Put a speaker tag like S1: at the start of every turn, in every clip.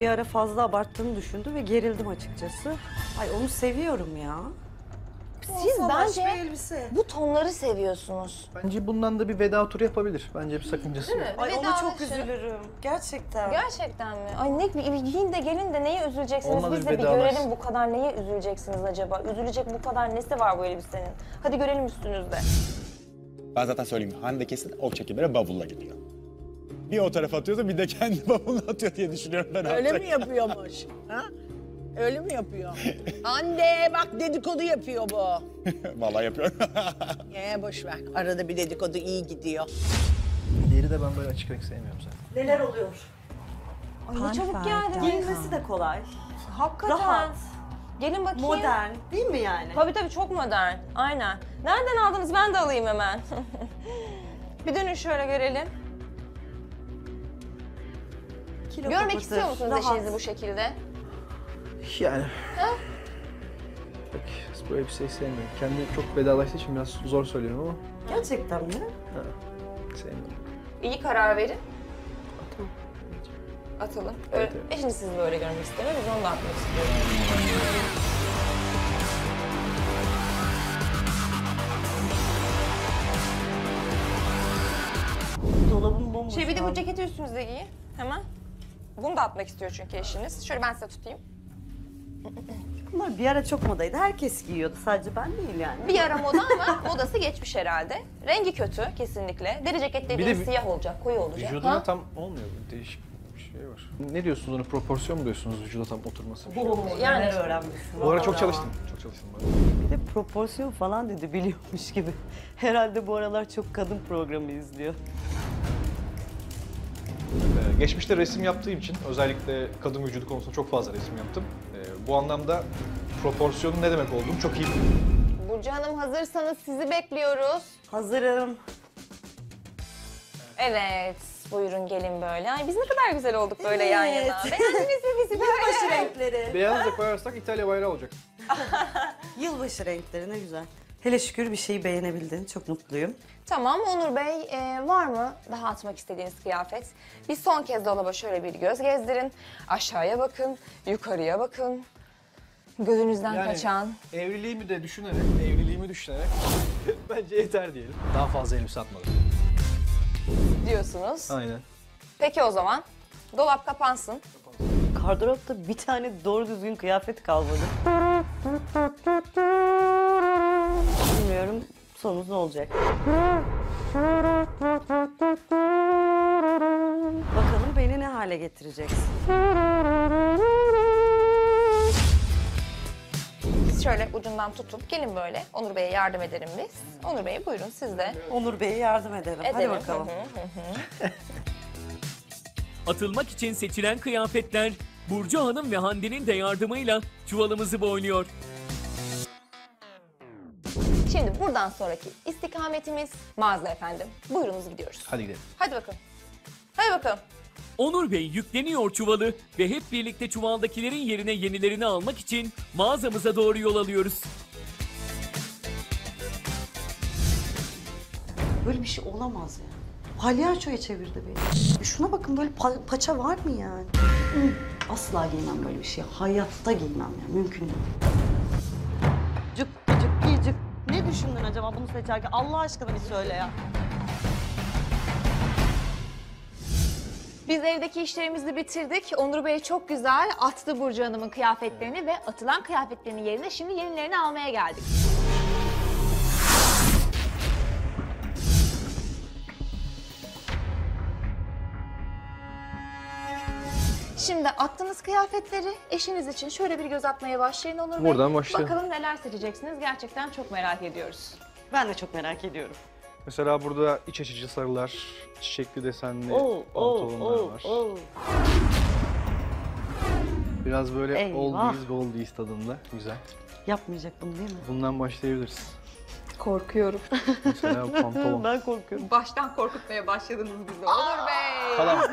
S1: Bir ara fazla abarttığını düşündü ve gerildim açıkçası. Ay onu seviyorum ya.
S2: Siz
S1: Salaş bir
S2: bence
S1: elbise.
S2: bu tonları seviyorsunuz.
S3: Bence bundan da bir veda turu yapabilir. Bence bir sakıncası yok.
S1: Ay ona çok
S2: Vedalaşın.
S1: üzülürüm. Gerçekten.
S2: Gerçekten mi? Ay ne giyin de gelin de neye üzüleceksiniz?
S3: Olmadı
S2: Biz
S3: bir
S2: de bir
S3: vedalaş.
S2: görelim bu kadar neye üzüleceksiniz acaba? Üzülecek bu kadar nesi var bu elbisenin? Hadi görelim üstünüzde.
S4: Ben zaten söyleyeyim, Hande kesin o çekimlere bavulla gidiyor. Bir o tarafa atıyorsa bir de kendi bavuluna atıyor diye düşünüyorum ben
S5: Öyle
S4: artık.
S5: mi yapıyormuş? Ha? Öyle mi yapıyor? Anne bak dedikodu yapıyor bu.
S4: Vallahi yapıyorum.
S5: Boş ver. Arada bir dedikodu iyi gidiyor.
S3: Diğeri de ben böyle açık renk sevmiyorum zaten.
S1: Neler oluyor?
S2: Ay ne çabuk geldiniz.
S1: Giyinmesi de kolay.
S2: Hakikaten.
S1: Rahat.
S2: Gelin bakayım.
S1: Modern değil mi yani?
S2: Tabii çok modern. Aynen. Nereden aldınız? Ben de alayım hemen. Bir dönün şöyle görelim.
S1: Kilo
S2: Görmek
S1: kapatır,
S2: istiyor musunuz
S1: rahat.
S2: eşinizi bu şekilde?
S3: Yani. Pek bu elbiseyi sevmiyorum. Kendi çok vedalaştığı için biraz zor söylüyorum ama
S1: Gerçekten mi?
S3: sevmiyorum.
S2: İyi karar verin.
S3: Atalım.
S2: Atalım.
S3: Evet, evet.
S2: Eşiniz sizi böyle görmek istemiyor. Biz onu da atmak istiyoruz.
S1: Dolabım bomboş.
S2: Bir de
S1: şu
S2: bu
S1: an.
S2: ceketi üstünüze giyin. Hemen. Bunu da atmak istiyor çünkü eşiniz. Şöyle ben size tutayım.
S1: Bunlar bir ara çok modaydı. Herkes giyiyordu. Sadece ben değil yani.
S2: Bir ara moda ama modası geçmiş herhalde. Rengi kötü kesinlikle. Deri ceket dediğiniz
S3: Bir de
S2: siyah olacak, koyu olacak.
S3: Vücuduna
S2: Ha?
S3: tam olmuyor. Değişik bir şey var. Ne diyorsunuz ona? Proporsiyon mu diyorsunuz vücuda tam oturması? Bir şey.
S1: Oo,
S2: Yani
S1: neler
S2: işte.
S1: öğrenmişsin.
S3: Bu ara çok
S1: Vallahi.
S3: çalıştım. Çok çalıştım.
S1: Bir de proporsiyon falan dedi biliyormuş gibi. Herhalde bu aralar çok kadın programı izliyor.
S6: Geçmişte resim yaptığım için özellikle kadın vücudu konusunda çok fazla resim yaptım. Bu anlamda proporsiyonun ne demek olduğunu çok iyi biliyorum.
S2: Burcu Hanım hazırsanız sizi bekliyoruz.
S1: Hazırım.
S2: Evet, buyurun gelin böyle. Ay biz ne kadar güzel olduk böyle yan yana. Beğendiniz mi bizi böyle?
S1: Yılbaşı renkleri.
S3: Beyaz da koyarsak İtalya bayrağı olacak.
S1: Yılbaşı renkleri ne güzel. Hele şükür bir şeyi beğenebildin. Çok mutluyum.
S2: Tamam Onur Bey, var mı daha atmak istediğiniz kıyafet? Bir son kez dolaba şöyle bir göz gezdirin. Aşağıya bakın, yukarıya bakın. Gözünüzden kaçan.
S3: Evliliğimi düşünerek bence yeter diyelim. Daha fazla elbise atmadım.
S2: Diyorsunuz.
S3: Aynen.
S2: Peki o zaman dolap kapansın.
S1: Gardıropta bir tane doğru düzgün kıyafet kalmadı. Bilmiyorum sonumuz ne olacak. Bakalım beni ne hale getireceksin.
S2: Siz şöyle ucundan tutup gelin böyle. Onur Bey'e yardım edelim biz. Onur Bey buyurun siz de.
S1: Onur Bey'e yardım edelim. Hadi
S2: Edelim.
S1: bakalım.
S7: Atılmak için seçilen kıyafetler Burcu Hanım ve Hande'nin de yardımıyla çuvalımızı boyluyor.
S2: Şimdi buradan sonraki istikametimiz mağaza efendim. Buyurunuz gidiyoruz.
S3: Hadi gidelim.
S2: Hadi bakalım. Hadi bakalım.
S7: Onur Bey yükleniyor çuvalı ve hep birlikte çuvaldakilerin yerine yenilerini almak için mağazamıza doğru yol alıyoruz.
S1: Böyle bir şey olamaz ya. Palyaçoya çevirdi beni. Şuna bakın böyle paça var mı yani? Asla giymem böyle bir şey. Hayatta giymem yani. Mümkün değil. Cık cık cık. Ne düşündün acaba bunu seçerken? Allah aşkına bir söyle ya.
S2: Biz evdeki işlerimizi bitirdik. Onur Bey çok güzel attı Burcu Hanım'ın kıyafetlerini ve atılan kıyafetlerinin yerine şimdi yenilerini almaya geldik. Şimdi attığınız kıyafetleri eşiniz için şöyle bir göz atmaya başlayın Onur Bey.
S3: Buradan başlayalım.
S2: Bakalım neler seçeceksiniz. Gerçekten çok merak ediyoruz.
S1: Ben de çok merak ediyorum.
S3: Mesela burada iç açıcı sarılar, çiçekli desenli pantolonlar var. Biraz böyle
S1: Eyvah.
S3: oldies goldies tadında. Güzel.
S1: Yapmayacak bunu değil mi?
S3: Bundan başlayabiliriz.
S2: Korkuyorum.
S3: Mesela pantolon.
S1: Ben korkuyorum.
S2: Baştan korkutmaya başladınız bizi Onur Bey.
S3: Falan.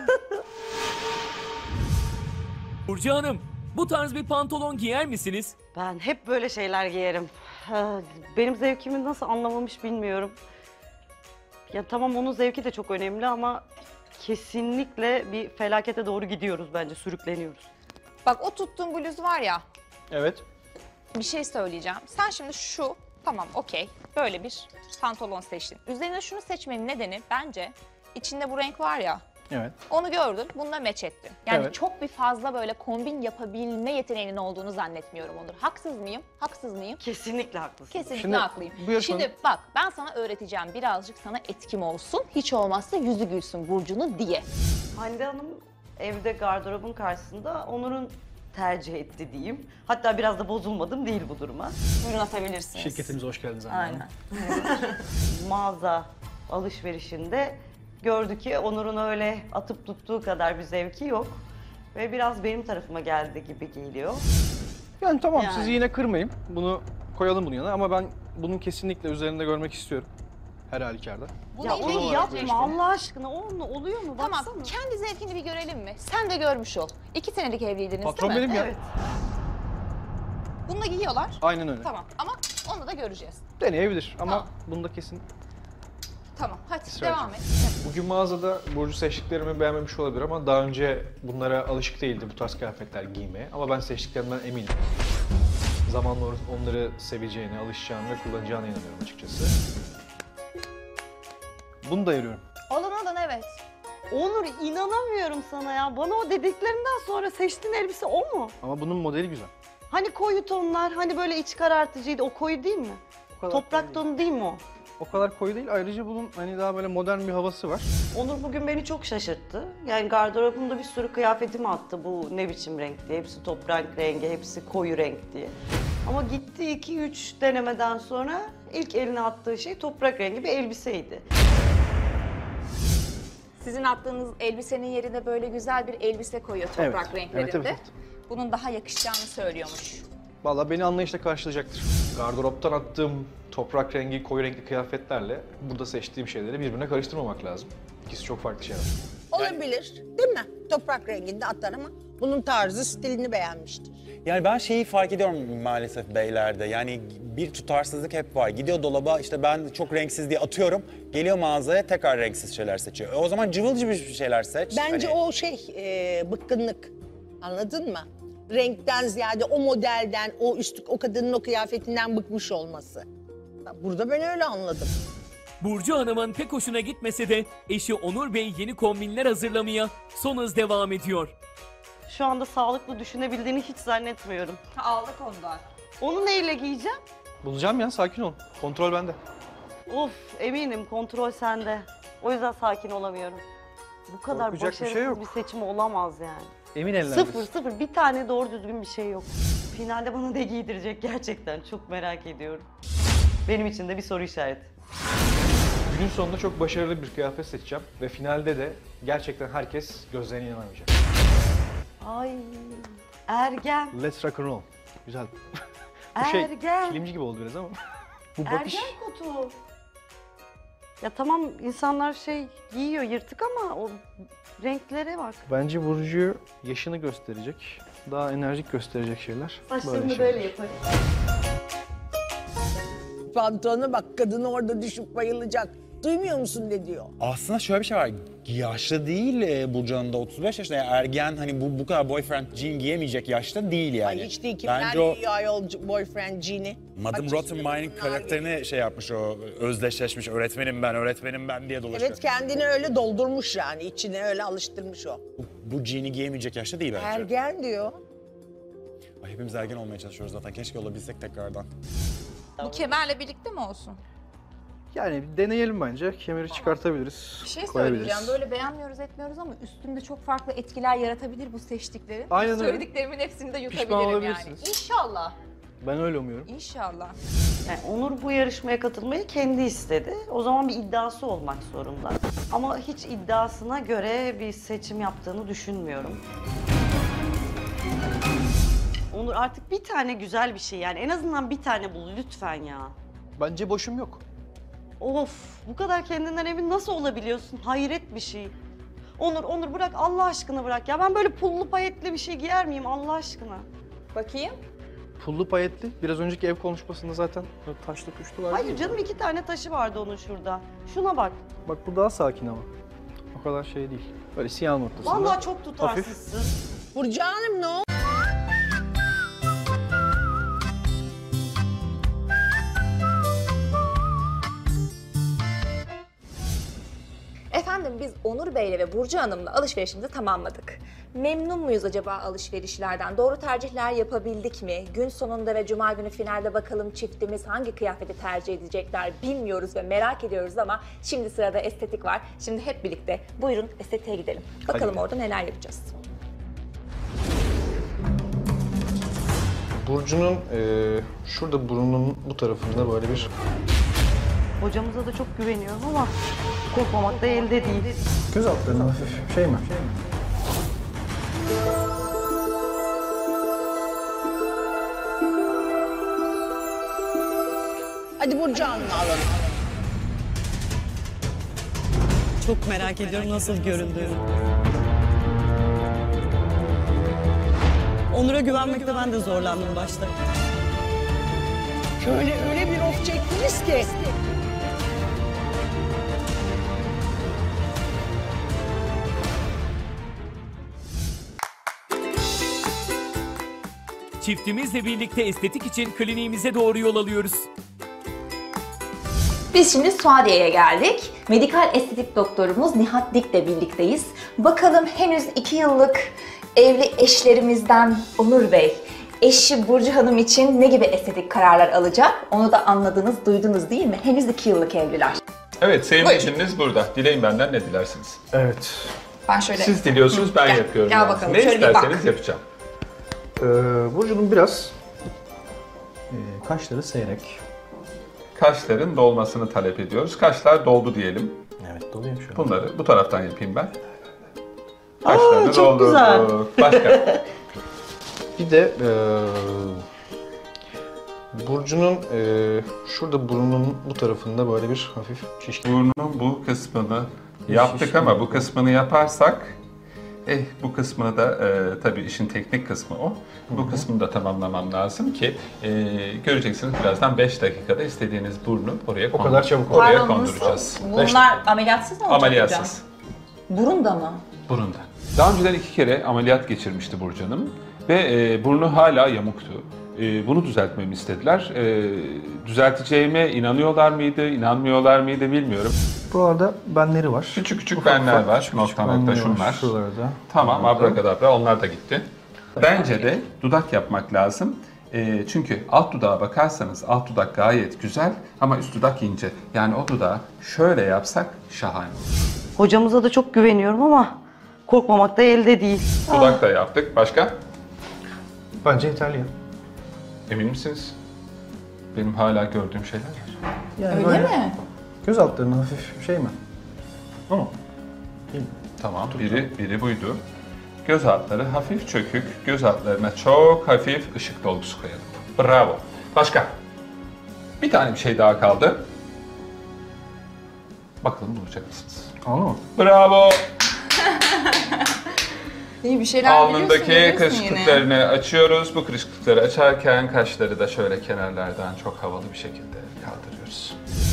S7: Burcu Hanım, bu tarz bir pantolon giyer misiniz?
S1: Ben hep böyle şeyler giyerim. Benim zevkimi nasıl anlamamış bilmiyorum. Ya tamam onun zevki de çok önemli ama kesinlikle bir felakete doğru gidiyoruz bence, sürükleniyoruz.
S2: Bak o tuttuğun bluz var ya,
S6: Evet.
S2: bir şey söyleyeceğim. Sen şimdi şu, tamam okey, böyle bir pantolon seçtin. Üzerine şunu seçmenin nedeni bence içinde bu renk var ya,
S6: Evet.
S2: onu gördün, bununla meç ettin. Yani
S6: Evet.
S2: çok bir fazla böyle kombin yapabilme yeteneğinin olduğunu zannetmiyorum Onur. Haksız mıyım? Haksız mıyım?
S1: Kesinlikle haklısın.
S2: Kesinlikle
S6: Şimdi
S2: haklıyım.
S6: bu yarışmanın-
S2: Şimdi bak ben sana öğreteceğim, birazcık sana etkim olsun. Hiç olmazsa yüzü gülsün Burcu'nu diye.
S1: Hande Hanım evde gardırobun karşısında Onur'un tercih etti diyeyim. Hatta biraz da bozulmadım değil bu duruma.
S2: Buyurun atabilirsiniz.
S6: Şirketimize hoş geldiniz Hande Hanım.
S2: Aynen.
S1: Mağaza alışverişinde gördü ki Onur'un öyle atıp tuttuğu kadar bir zevki yok. Ve biraz benim tarafıma geldi gibi geliyor.
S6: Yani tamam
S1: Yani.
S6: sizi yine kırmayayım. Bunu koyalım bunun yanına ama ben bunun kesinlikle üzerinde görmek istiyorum. Her halükarda.
S2: Bu
S1: Ya
S2: da
S1: onu
S2: iyi.
S1: yapma Allah aşkına. O oluyor mu?
S2: Tamam,
S1: Baksana.
S2: kendi zevkini bir görelim mi? Sen de görmüş ol. 2 senelik evliydiniz
S6: Patron
S2: değil mi?
S6: benim ya.
S1: Evet.
S2: Bunu da giyiyorlar.
S6: Aynen öyle.
S2: Tamam ama onu da göreceğiz.
S6: Deneyebilir ama
S2: Tamam.
S6: bunda kesin.
S2: Tamam hadi
S6: İsrail.
S2: devam et.
S6: Bugün mağazada Burcu seçtiklerimi beğenmemiş olabilir ama daha önce bunlara alışık değildi bu tarz kıyafetler giymeye. Ama ben seçtiklerimden eminim. Zamanla onları seveceğine, alışacağını ve kullanacağına inanıyorum açıkçası. Bunu da ayırıyorum.
S2: Alın evet.
S1: Onur inanamıyorum sana ya. Bana o dediklerinden sonra seçtiğin elbise o mu?
S6: Ama bunun modeli güzel.
S1: Hani koyu tonlar, hani böyle iç karartıcıydı. O koyu değil mi?
S6: O kadar
S1: Toprak
S6: koyu
S1: tonu değil mi o?
S6: değil. O kadar koyu değil. Ayrıca bunun hani daha böyle modern bir havası var.
S1: Onur bugün beni çok şaşırttı. Yani gardırobumda bir sürü kıyafetimi attı bu ne biçim renk diye. Hepsi toprak rengi, hepsi koyu renk diye. Ama gitti 2-3 denemeden sonra ilk eline attığı şey toprak rengi bir elbiseydi.
S2: Sizin attığınız elbisenin yerine böyle güzel bir elbise koyuyor toprak
S6: Evet,
S2: renklerinde.
S6: evet, evet.
S2: Bunun daha yakışacağını söylüyormuş.
S6: Vallahi beni anlayışla karşılayacaktır. Gardıroptan attığım toprak rengi, koyu renkli kıyafetlerle burada seçtiğim şeyleri birbirine karıştırmamak lazım. İkisi çok farklı şeyler.
S5: Olabilir değil mi? Toprak renginde atar ama bunun tarzı, stilini beğenmiştir.
S4: Yani ben şeyi fark ediyorum maalesef beylerde. Yani bir tutarsızlık hep var. Gidiyor dolaba işte ben çok renksiz diye atıyorum. Geliyor mağazaya tekrar renksiz şeyler seçiyor. O zaman cıvıl cıvıl şeyler seç.
S5: Bence
S4: Hani-
S5: o bıkkınlık. Anladın mı? Renkten ziyade o modelden, o kadının o kıyafetinden bıkmış olması. Burada ben öyle anladım.
S7: Burcu Hanım'ın pek hoşuna gitmese de eşi Onur Bey yeni kombinler hazırlamaya son hız devam ediyor.
S1: Şu anda sağlıklı düşünebildiğini hiç zannetmiyorum.
S2: Aldık ondan.
S1: Onu neyle giyeceğim?
S6: Bulacağım ya, sakin ol. Kontrol bende.
S1: Of eminim kontrol sende. O yüzden sakin olamıyorum. Bu kadar
S6: Korkacak bir
S1: başarısız
S6: şey yok.
S1: bir seçim olamaz yani.
S6: Emin ellerdesin.
S1: Sıfır. Bir tane doğru düzgün bir şey yok. Finalde bana ne giydirecek gerçekten çok merak ediyorum. Benim için de bir soru işareti.
S6: Günün sonunda çok başarılı bir kıyafet seçeceğim ve finalde de gerçekten herkes gözlerine inanamayacak.
S1: Ay ergen.
S6: Let's rock and roll. Güzel. Bu şey
S1: Ergen.
S6: filmci gibi oldu biraz ama. Bu bakış
S1: Ergen kutu. Ya tamam insanlar şey giyiyor yırtık ama o renklere bak.
S6: bence Burcu'yu yaşını gösterecek, daha enerjik gösterecek şeyler.
S1: Saçlarını
S6: şeyler.
S1: böyle yaparım.
S5: Pantolona bak, kadın orada düşüp bayılacak. Duymuyor musun ne diyor?
S4: Aslında şöyle bir şey var. Yaşlı değil Burcu Hanım da 35 yaşında. Yani ergen hani bu kadar boyfriend jean giyemeyecek yaşta değil yani.
S5: Ay hiç değil, kimler
S4: Bence o
S5: giyiyor ayol boyfriend jean'i?
S4: Madame
S5: Kaç
S4: Rottenmeier
S5: yaşında
S4: karakterini şey yapmış o özdeşleşmiş öğretmenim ben diye dolaşıyor.
S5: Evet, kendini öyle doldurmuş yani, içine öyle alıştırmış o.
S4: Bu jean'i giyemeyecek yaşta değil bence.
S5: Ergen diyor.
S4: Ay, hepimiz ergen olmaya çalışıyoruz zaten. Keşke olabilsek tekrardan.
S2: Bu kemerle birlikte mi olsun?
S6: Yani bir deneyelim bence. Kemeri çıkartabiliriz,
S2: Bir şey
S6: koyabiliriz.
S2: söyleyeceğim. Böyle beğenmiyoruz etmiyoruz ama üstünde çok farklı etkiler yaratabilir bu seçtiklerin.
S6: Aynen öyle.
S2: Söylediklerimin hepsini de
S6: Pişman
S2: yutabilirim yani.
S6: olabilirsiniz.
S2: İnşallah.
S6: Ben öyle umuyorum.
S2: İnşallah.
S1: Yani Onur bu yarışmaya katılmayı kendi istedi. O zaman bir iddiası olmak zorunda. Ama hiç iddiasına göre bir seçim yaptığını düşünmüyorum. Onur artık bir tane güzel bir şey yani en azından bir tane bul lütfen ya.
S6: Bence boşum yok.
S1: Of bu kadar kendinden emin nasıl olabiliyorsun? Hayret bir şey. Onur bırak Allah aşkına bırak ya. Ben böyle pullu payetli bir şey giyer miyim Allah aşkına?
S2: Bakayım.
S6: Pullu payetli. Biraz önceki ev konuşmasında zaten böyle taşlı tuşlu var.
S1: Hayır canım 2 tane taşı vardı onun şurada. Şuna bak.
S6: Bak bu daha sakin ama. O kadar şey değil. Böyle siyah ortasında.
S1: Vallahi çok tutarsızsın.
S5: Burcu Hanım ne oldu?
S2: Şimdi biz Onur Bey'le ve Burcu Hanım'la alışverişimizi tamamladık. Memnun muyuz acaba alışverişlerden? Doğru tercihler yapabildik mi? Gün sonunda ve cuma günü finalde bakalım çiftimiz hangi kıyafeti tercih edecekler bilmiyoruz ve merak ediyoruz ama şimdi sırada estetik var. Şimdi hep birlikte buyurun estetiğe gidelim. Bakalım orada neler yapacağız.
S6: Burcu'nun şurada burnunun bu tarafında böyle bir
S1: Hocamıza da çok güveniyorum ama korkmamak da elde değil.
S3: Göz altlarına hafif şey mi?
S5: Hadi Burcu Hanım'ı alalım.
S8: Çok merak ediyorum nasıl göründüğünü. Onur'a güvenmekte ben de zorlandım başta.
S5: Şöyle öyle bir of çektiniz ki.
S7: Çiftimizle birlikte estetik için kliniğimize doğru yol alıyoruz.
S2: Biz şimdi Suadiye'ye geldik. Medikal estetik doktorumuz Nihat Dik'le birlikteyiz. Bakalım henüz 2 yıllık evli eşlerimizden Onur Bey, eşi Burcu Hanım için ne gibi estetik kararlar alacak? Onu da anladınız, duydunuz değil mi? Henüz 2 yıllık evliler.
S9: Evet, sevgili
S2: Buyurun.
S9: eşiniz burada. Dileyin benden ne dilersiniz?
S3: Evet.
S2: Ben şöyle...
S9: Siz diliyorsunuz, ben
S2: Gel,
S9: yapıyorum.
S2: gel
S9: yani.
S2: bakalım,
S9: Ne
S2: şöyle bir
S9: isterseniz
S2: bak.
S9: yapacağım.
S3: Burcu'nun biraz kaşları seyrek.
S9: Kaşların dolmasını talep ediyoruz. Kaşlar doldu diyelim.
S3: Evet, doluyor şu an.
S9: Bunları bu taraftan yapayım ben. Kaşlarını
S8: çok güzel.
S9: Başka?
S6: bir de Burcu'nun şurada burnunun bu tarafında böyle bir hafif şişkin.
S9: Burnun bu kısmını yaptık ama bu kısmını yaparsak bu kısmını da tabii işin teknik kısmı o. Bu kısmını da tamamlamam lazım ki göreceksiniz birazdan 5 dakikada istediğiniz burnu oraya
S3: O kadar çabuk
S9: oraya
S2: Pardon,
S9: konduracağız.
S2: Bunlar ameliyatsız mı olacak
S9: Ameliyatsız.
S2: hocam? Burun da mı?
S9: Burunda. Daha önceden 2 kere ameliyat geçirmişti Burcu Hanım ve burnu hala yamuktu. Bunu düzeltmemi istediler. Düzelteceğime inanıyorlar mıydı, inanmıyorlar mıydı bilmiyorum.
S3: Buralarda benleri var.
S9: Küçük küçük
S3: Ufak
S9: benler
S3: ufak,
S9: var,
S3: küçük
S9: nokta
S3: benleri
S9: nokta
S3: var
S9: şunlar.
S3: Şuralarda.
S9: Tamam,
S3: Buralarda.
S9: abrakadabra onlar da gitti. Bence de dudak yapmak lazım. Çünkü alt dudağa bakarsanız alt dudak gayet güzel ama üst dudak ince. Yani o dudağı şöyle yapsak şahane olur.
S1: Hocamıza da çok güveniyorum ama korkmamak da elde değil.
S9: Dudak da yaptık. Başka?
S3: Bence yeterli ya.
S9: Emin misiniz? Benim hala gördüğüm şeyler var.
S3: Yani
S2: Öyle
S3: böyle
S2: mi?
S3: göz altlarına hafif şey mi? Ama
S9: Tamam, biri buydu. Göz altları hafif çökük, göz altlarına çok hafif ışık dolgusu koyalım. Bravo. Başka? Bir tane bir şey daha kaldı. Bakalım bulacak mısınız?
S3: anladın mı?
S9: Bravo.
S2: İyi bir şeyler
S9: Alnındaki kırışıklıklarını açıyoruz. Bu kırışıklıkları açarken kaşları da şöyle kenarlardan çok havalı bir şekilde kaldırıyoruz.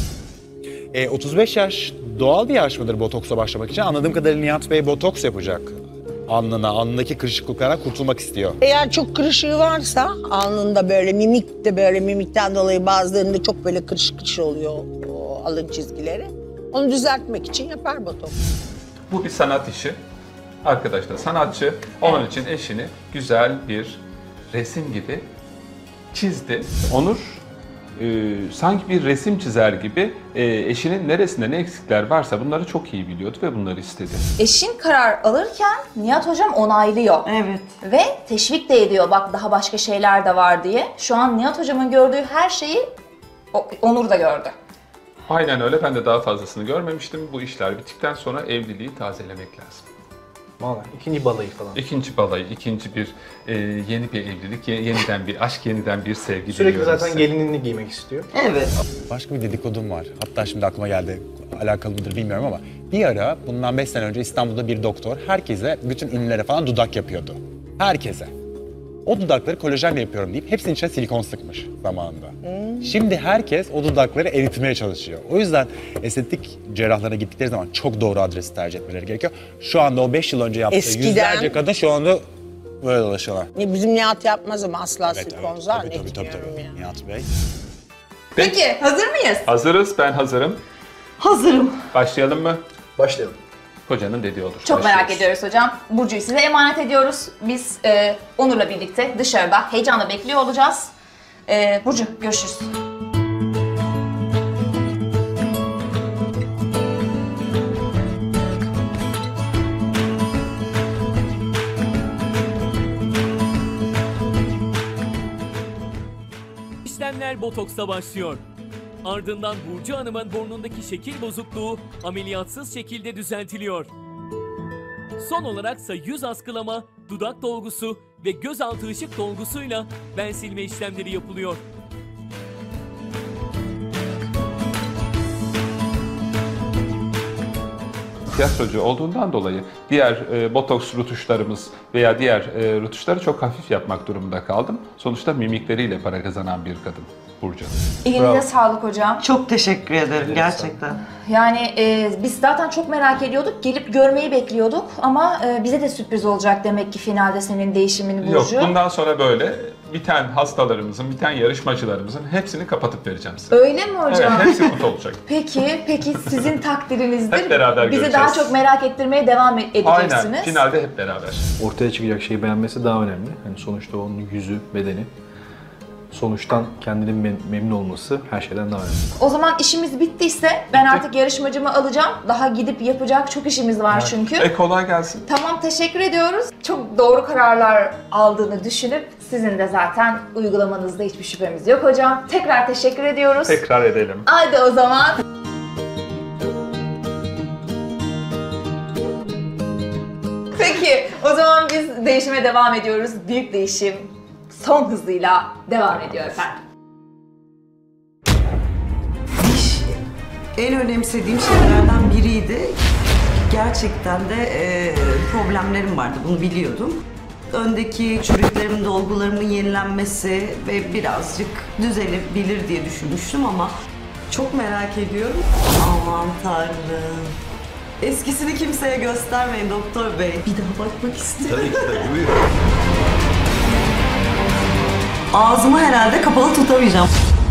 S4: 35 yaş doğal bir yaş mıdır botoksa başlamak için? Anladığım kadarıyla Nihat Bey botoks yapacak. Alnındaki kırışıklıklardan kurtulmak istiyor.
S5: Eğer çok kırışığı varsa alnında böyle mimik de böyle mimikten dolayı bazılarında çok böyle kırışık kırışık oluyor o alın çizgileri. Onu düzeltmek için yapar botoks.
S9: Bu bir sanat işi. Arkadaş da sanatçı. Onun için eşini güzel bir resim gibi çizdi. Onur sanki bir resim çizer gibi eşinin neresinde ne eksikler varsa bunları çok iyi biliyordu ve bunları istedi.
S2: Eşin karar alırken Nihat hocam onaylıyor.
S1: Evet.
S2: Ve teşvik de ediyor bak daha başka şeyler de var diye. Şu an Nihat hocamın gördüğü her şeyi Onur da gördü.
S9: Aynen öyle. Ben de daha fazlasını görmemiştim. Bu işler bittikten sonra evliliği tazelemek lazım.
S3: Vallahi ikinci balayı falan.
S9: İkinci balayı, ikinci bir yeni bir evlilik, yeniden bir aşk, yeniden bir sevgi
S3: Sürekli
S9: diliyorum
S3: zaten
S9: size.
S3: gelinliğini giymek istiyor.
S1: Evet.
S4: Başka bir dedikodum var. Hatta şimdi aklıma geldi. Alakalı mıdır bilmiyorum ama bir ara bundan 5 sene önce İstanbul'da bir doktor herkese, bütün ünlülere falan dudak yapıyordu. Herkese. O dudakları kolajenle yapıyorum deyip hepsinin içine silikon sıkmış zamanında. Şimdi herkes o dudakları eritmeye çalışıyor. O yüzden estetik cerrahlara gittikleri zaman çok doğru adresi tercih etmeleri gerekiyor. Şu anda o 5 yıl önce yaptığı
S5: Eskiden-
S4: yüzlerce kadın şu anda böyle dolaşıyorlar.
S5: Bizim Nihat yapmaz ama asla
S4: Evet,
S5: silikon
S4: tabii,
S5: zannetmiyorum
S4: tabii.
S5: ya.
S4: Nihat Bey.
S2: Peki hazır mıyız?
S9: Hazırız, ben hazırım.
S1: Hazırım.
S9: Başlayalım mı?
S3: Başlayalım.
S9: Hocanın dediği olur.
S2: Çok merak
S9: Başlıyoruz.
S2: ediyoruz hocam. Burcu'yu size emanet ediyoruz. Biz Onur'la birlikte dışarıda heyecanla bekliyor olacağız. Burcu, görüşürüz.
S7: İşlemler botoksla başlıyor. Ardından Burcu Hanım'ın burnundaki şekil bozukluğu ameliyatsız şekilde düzeltiliyor. Son olaraksa yüz askılama, dudak dolgusu ve gözaltı ışık dolgusuyla ben silme işlemleri yapılıyor.
S9: Tiyatrocu olduğundan dolayı diğer botoks rutuşlarımız veya diğer rutuşları çok hafif yapmak durumunda kaldım. Sonuçta mimikleriyle para kazanan bir kadın Burcu.
S2: Elinize sağlık hocam.
S1: Çok teşekkür ederim gerçekten.
S2: Yani biz zaten çok merak ediyorduk. Gelip görmeyi bekliyorduk ama bize de sürpriz olacak demek ki finalde senin değişimin Burcu.
S9: Yok, bundan sonra böyle biten hastalarımızın, biten yarışmacılarımızın hepsini kapatıp vereceğim size.
S2: Öyle mi hocam?
S9: Evet, hepsi mutlu olacak.
S2: Peki sizin takdirinizdir.
S9: Hep beraber
S2: Bizi
S9: göreceğiz.
S2: daha çok merak ettirmeye devam edeceksiniz.
S9: Aynen, finalde hep beraber.
S6: Ortaya çıkacak şeyi beğenmesi daha önemli. Yani sonuçta onun yüzü, bedeni. Sonuçtan kendinin memnun olması her şeyden daha önemli.
S2: O zaman işimiz bittiyse ben artık yarışmacımı alacağım. Daha gidip yapacak çok işimiz var çünkü.
S9: Kolay gelsin.
S2: Tamam, teşekkür ediyoruz. Çok doğru kararlar aldığını düşünüp sizin de zaten uygulamanızda hiçbir şüphemiz yok hocam. Tekrar teşekkür ediyoruz.
S9: Tekrar edelim.
S2: Haydi o zaman. Peki, o zaman biz değişime devam ediyoruz. Büyük değişim son hızıyla devam ediyor efendim.
S1: Diş en önemsediğim şeylerden biriydi. Gerçekten de problemlerim vardı, bunu biliyordum. Öndeki çürüklerimin, dolgularımın yenilenmesi ve birazcık düzelebilir diye düşünmüştüm ama çok merak ediyorum. Aman Tanrım. Eskisini kimseye göstermeyin doktor bey. Bir daha bakmak istiyorum.
S10: Tabii ki tabii, buyurun.
S1: Ağzımı herhalde kapalı tutamayacağım.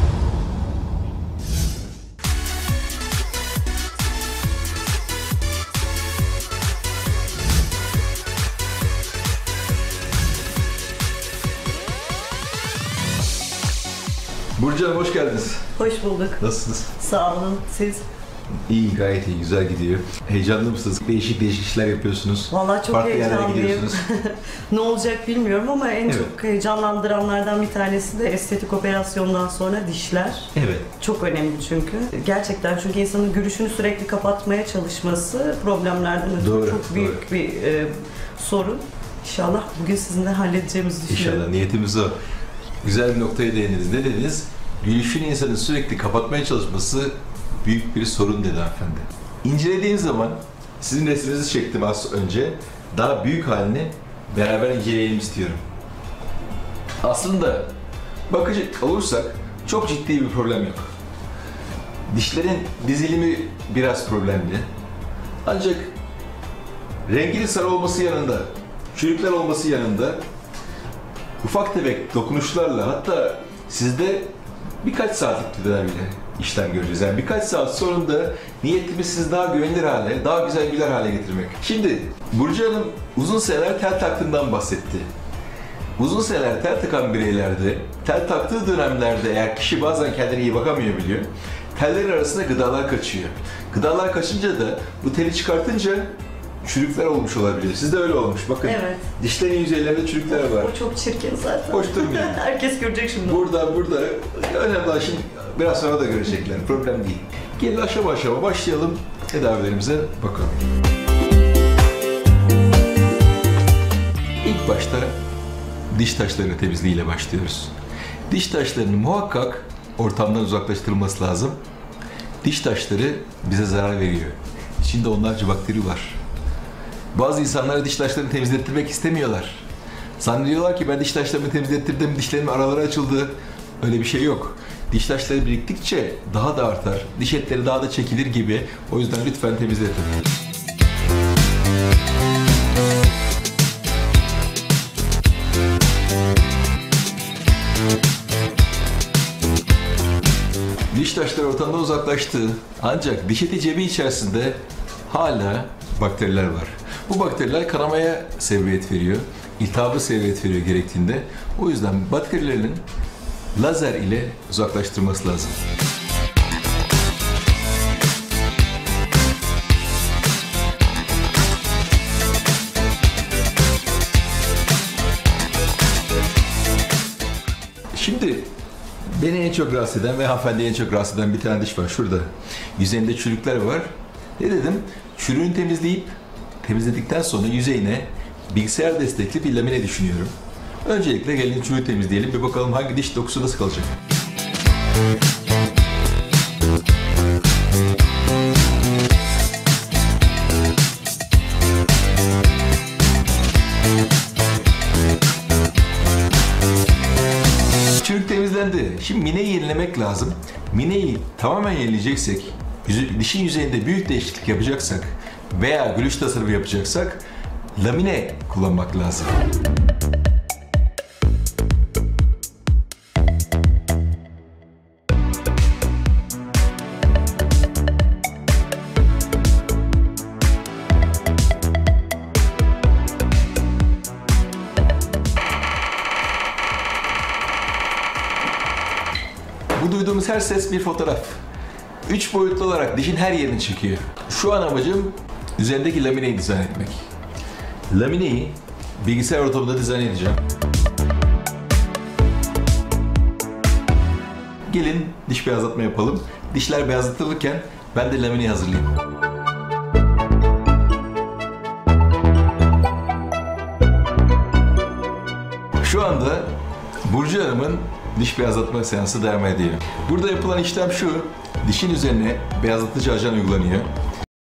S10: Burcu Hanım hoş geldiniz.
S1: Hoş bulduk.
S10: Nasılsınız?
S1: Sağ olun. Siz?
S10: İyi, gayet iyi, güzel gidiyor. Heyecanlı mısınız? Değişik işler yapıyorsunuz.
S1: Vallahi çok
S10: farklı yerlere
S1: heyecanlıyım.
S10: gidiyorsunuz.
S1: Ne olacak bilmiyorum ama en
S10: Evet.
S1: çok heyecanlandıranlardan bir tanesi de estetik operasyondan sonra dişler.
S10: Evet.
S1: Çok önemli çünkü. Gerçekten çünkü insanın görüşünü sürekli kapatmaya çalışması problemlerden ötürü
S10: Doğru,
S1: çok büyük bir sorun. İnşallah bugün sizinle halledeceğimizi düşünüyorum.
S10: İnşallah, niyetimiz o. Güzel bir noktaya değindiniz. Ne dediniz? Gülüşünü insanın sürekli kapatmaya çalışması büyük bir sorun dedi hanımefendi. İncelediğiniz zaman, sizin resminizi çektim az önce, daha büyük halini beraber inceleyelim istiyorum. Aslında bakacak olursak çok ciddi bir problem yok. Dişlerin dizilimi biraz problemli. Ancak renginin sarı olması yanında, çürükler olması yanında ufak tefek dokunuşlarla, hatta sizde birkaç saatlik tedaviyle işlem göreceğiz. Yani birkaç saat sonunda niyetimiz sizi daha güvenilir hale, daha güzel güler hale getirmek. Şimdi Burcu Hanım uzun seneler tel taktığından bahsetti. Uzun seneler tel takan bireylerde, tel taktığı dönemlerde eğer kişi bazen kendine iyi bakamıyor biliyor, tellerin arasında gıdalar kaçıyor. Gıdalar kaçınca da bu teli çıkartınca çürükler olmuş olabilir. Sizde öyle olmuş. Bakın,
S1: Evet.
S10: dişlerin yüzeylerinde çürükler var.
S1: O çok çirkin zaten.
S10: Hoş durmuyor.
S1: Herkes görecek şimdi.
S10: Burada. Önemli olan şimdi biraz sonra da görecekler. Problem değil. Gelin aşama aşama başlayalım. Tedavilerimize bakalım. İlk başta diş taşlarını temizliğiyle başlıyoruz. Diş taşlarının muhakkak ortamdan uzaklaştırılması lazım. Diş taşları bize zarar veriyor. İçinde onlarca bakteri var. Bazı insanlar diş taşlarını temizlettirmek istemiyorlar. Zannediyorlar ki ben diş taşlarımı temizlettirdim, dişlerimin araları açıldı. Öyle bir şey yok. Diş taşları biriktikçe daha da artar, diş etleri daha da çekilir gibi. O yüzden lütfen temizletin. Diş taşları ortamdan uzaklaştı. Ancak diş eti cebi içerisinde hala bakteriler var. Bu bakteriler kanamaya sebebiyet veriyor, iltihabı sebebiyet veriyor gerektiğinde. O yüzden bakterilerin lazer ile uzaklaştırılması lazım. Şimdi beni en çok rahatsız eden ve hanımefendiyi en çok rahatsız eden bir tane diş var şurada. Yüzeyinde çürükler var. Ne dedim? Çürüğünü temizledikten sonra yüzeyine bilgisayar destekli bir lamine düşünüyorum. Öncelikle gelin çürüğü temizleyelim. Bir bakalım hangi diş dokusu nasıl kalacak. Çürük temizlendi. Şimdi mineyi yenilemek lazım. Mineyi tamamen yenileyeceksek, dişin yüzeyinde büyük değişiklik yapacaksak veya gülüş tasarımı yapacaksak lamine kullanmak lazım. Bu duyduğumuz her ses bir fotoğraf. 3 boyutlu olarak dişin her yerini çekiyor. Şu an amacım üzerindeki lamineyi dizayn etmek. Lamineyi bilgisayar ortamında dizayn edeceğim. Gelin diş beyazlatma yapalım. Dişler beyazlatılırken ben de lamineyi hazırlayayım. Şu anda Burcu Hanım'ın diş beyazlatma seansı devam ediyor. Burada yapılan işlem şu, dişin üzerine beyazlatıcı ajan uygulanıyor.